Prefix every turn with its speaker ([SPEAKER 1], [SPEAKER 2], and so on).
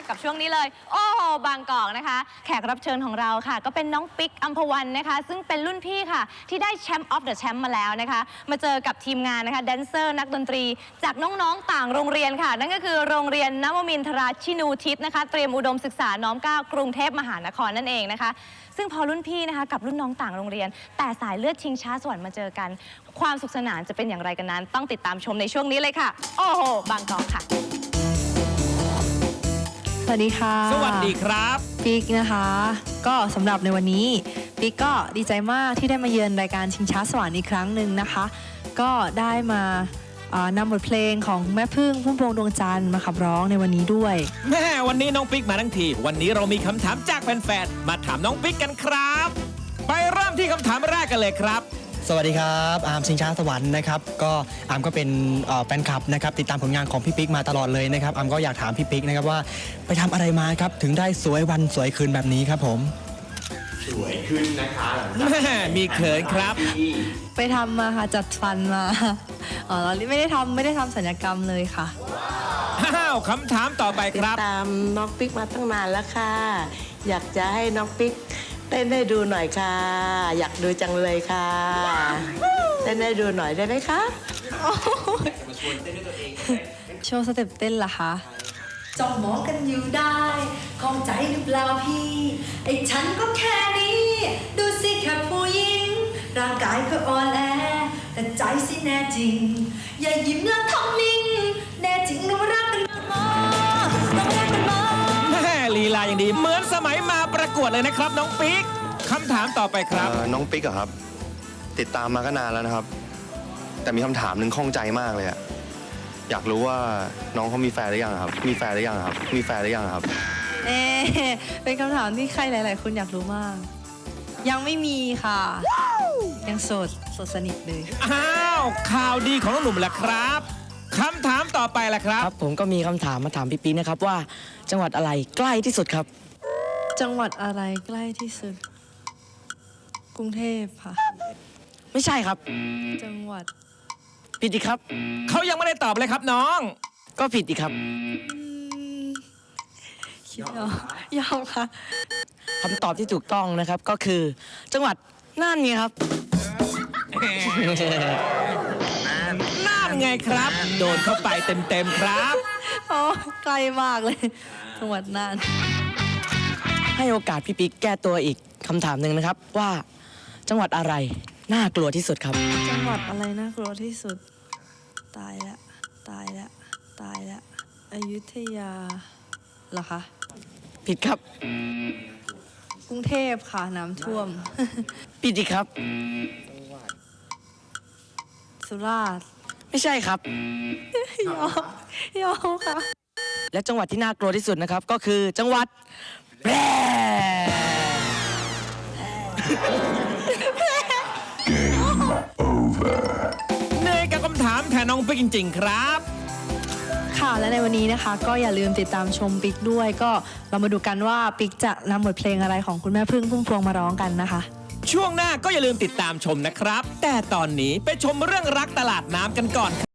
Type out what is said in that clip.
[SPEAKER 1] กับช่วงนี้เลยโอ้โหบางกอกนะคะแขกรับเชิญของเราค่ะก็เป็นน้องปิ๊กอัมพวันนะคะซึ่งเป็นรุ่นพี่ค่ะที่ได้แชมป์ออฟเดอะแชมป์มาแล้วนะคะมาเจอกับทีมงานนะคะแดนเซอร์นักดนตรีจากน้องๆต่างโรงเรียนค่ะนั่นก็คือโรงเรียนนวมินทราชินูทิศนะคะเตรียมอุดมศึกษาน้อมเกล้ากรุงเทพมหานครนั่นเองนะคะซึ่งพอรุ่นพี่นะคะกับรุ่นน้องต่างโรงเรียนแต่สายเลือดชิงช้าสวรรค์มาเจอกันความสุขสนานจะเป็นอย่างไรกันนั้นต้องติดตามชมในช่วงนี้เลยค่ะโอ้โหบางกอกค่ะ
[SPEAKER 2] สวัสดีค่ะ
[SPEAKER 3] สวัสดีครับ
[SPEAKER 2] ปิ๊กนะคะก็สำหรับในวันนี้ปิ๊กก็ดีใจมากที่ได้มาเยือนรายการชิงช้าสวรรค์อีกครั้งหนึ่งนะคะก็ได้มานำบทเพลงของแม่พึ่งพุ่มพวงดวงจันทร์มาขับร้องในวันนี้ด้วย
[SPEAKER 3] แม่วันนี้น้องปิ๊กมาทั้งทีวันนี้เรามีคำถามจากแฟนๆมาถามน้องปิ๊กกันครับไปเริ่มที่คำถามแรกกันเลยครับ
[SPEAKER 4] สวัสดีครับอาร์มชิงช้าสวรรค์นะครับก็อาร์มก็เป็นแฟนคลับนะครับติดตามผลงานของพี่ปิ๊กมาตลอดเลยนะครับอาร์มก็อยากถามพี่ปิ๊กนะครับว่าไปทำอะไรมาครับถึงได้สวยวันสวยคืนแบบนี้ครับผม
[SPEAKER 5] สวยขึ้นนะคะ
[SPEAKER 3] แม่มีเขินครับ
[SPEAKER 2] ไปทำมาค่ะจัดฟันมาเราไม่ได้ทำศัลยกรรมเลยค่ะ
[SPEAKER 3] อ้าวคำถามต่อไปครับ
[SPEAKER 6] ติดตามน้องปิ๊กมาตั้งนานแล้วค่ะอยากจะให้น้องปิ๊กเต้นให้ดูหน่อยค่ะอยากดูจังเลยค่ะเต้นให้ดูหน่อยได้ไหมคะ
[SPEAKER 2] โชว์สเต็ปเต้นล่ะคะ
[SPEAKER 7] จ้องมองกันอยู่ได้ข้องใจหรือเปล่าพี่ไอ้ฉันก็แค่นี้ดูสิแค่ผู้หญิงร่างกายก็อ่อนแอแต่ใจสิแน่จริงอย่ายิ้มแล้วทำนิ่งแน่จริงเรารักกันมากต้องรักกันมาก
[SPEAKER 3] แม่ลีลาอย่างดีเหมือนสมัยมาประกวดเลยนะครับน้องปิ๊กคำถามต่อไปครับ
[SPEAKER 5] น้องปิ๊กอะครับติดตามมาก็นานแล้วนะครับแต่มีคำถามหนึ่งข้องใจมากเลยอะอยากรู้ว่าน้องเขามีแฟนหรือยังครับมีแฟนหรือยังครับมีแฟนหรือยังครับ
[SPEAKER 2] เป็นคำถามที่ใครหลายๆคนอยากรู้มากยังไม่มีค่ะยังโสดสนิทเลย
[SPEAKER 3] อ้าวข่าวดีของน้องหนุ่มแหละครับคำถามต่อไปแหละครับ
[SPEAKER 4] ครับผมก็มีคำถามมาถามพี่ปิ๊กนะครับว่าจังหวัดอะไรใกล้ที่สุดครับ
[SPEAKER 2] จังหวัดอะไรใกล้ที่สุดกรุงเทพค่ะ
[SPEAKER 4] ไม่ใช่ครับ
[SPEAKER 2] จังหวัด
[SPEAKER 4] ผิดอีกครับ
[SPEAKER 3] เขายังไม่ได้ตอบเลยครับน้อง
[SPEAKER 4] ก็ผิดอีกครับ
[SPEAKER 2] ยอมค่ะ
[SPEAKER 4] คำตอบที่ถูกต้องนะครับก็คือจังหวัดน่านไงครับ
[SPEAKER 3] น่านไงครับโดนเข้าไปเต็มๆครับ
[SPEAKER 2] โอ้ไกลมากเลยจังหวัดน่าน
[SPEAKER 4] ให้โอกาสพี่ปิ๊กแก้ตัวอีกคำถามหนึ่งนะครับว่าจังหวัดอะไรน่ากลัวที่สุดครับ
[SPEAKER 2] จังหวัดอะไรน่ากลัวที่สุดตายแล้วอยุธยาเหรอคะ
[SPEAKER 4] ผิดครับ
[SPEAKER 2] กรุงเทพค่ะน้ำท่วม
[SPEAKER 4] ผิดอีกครับ
[SPEAKER 2] สุราษฎร์
[SPEAKER 4] ไม่ใช่ครับ
[SPEAKER 2] ยอมค่ะ
[SPEAKER 4] และจังหวัดที่น่ากลัวที่สุดนะครับก็คือจังหวัดแพร่
[SPEAKER 3] เหนื่อยกับคำถามแทนน้องปิ๊กจริงๆครับ
[SPEAKER 2] ค่ะและในวันนี้นะคะก็อย่าลืมติดตามชมปิ๊กด้วยก็เรามาดูกันว่าปิ๊กจะนำบทเพลงอะไรของคุณแม่พึ่งพุ่มพวงมาร้องกันนะคะ
[SPEAKER 3] ช่วงหน้าก็อย่าลืมติดตามชมนะครับแต่ตอนนี้ไปชมเรื่องรักตลาดน้ำกันก่อน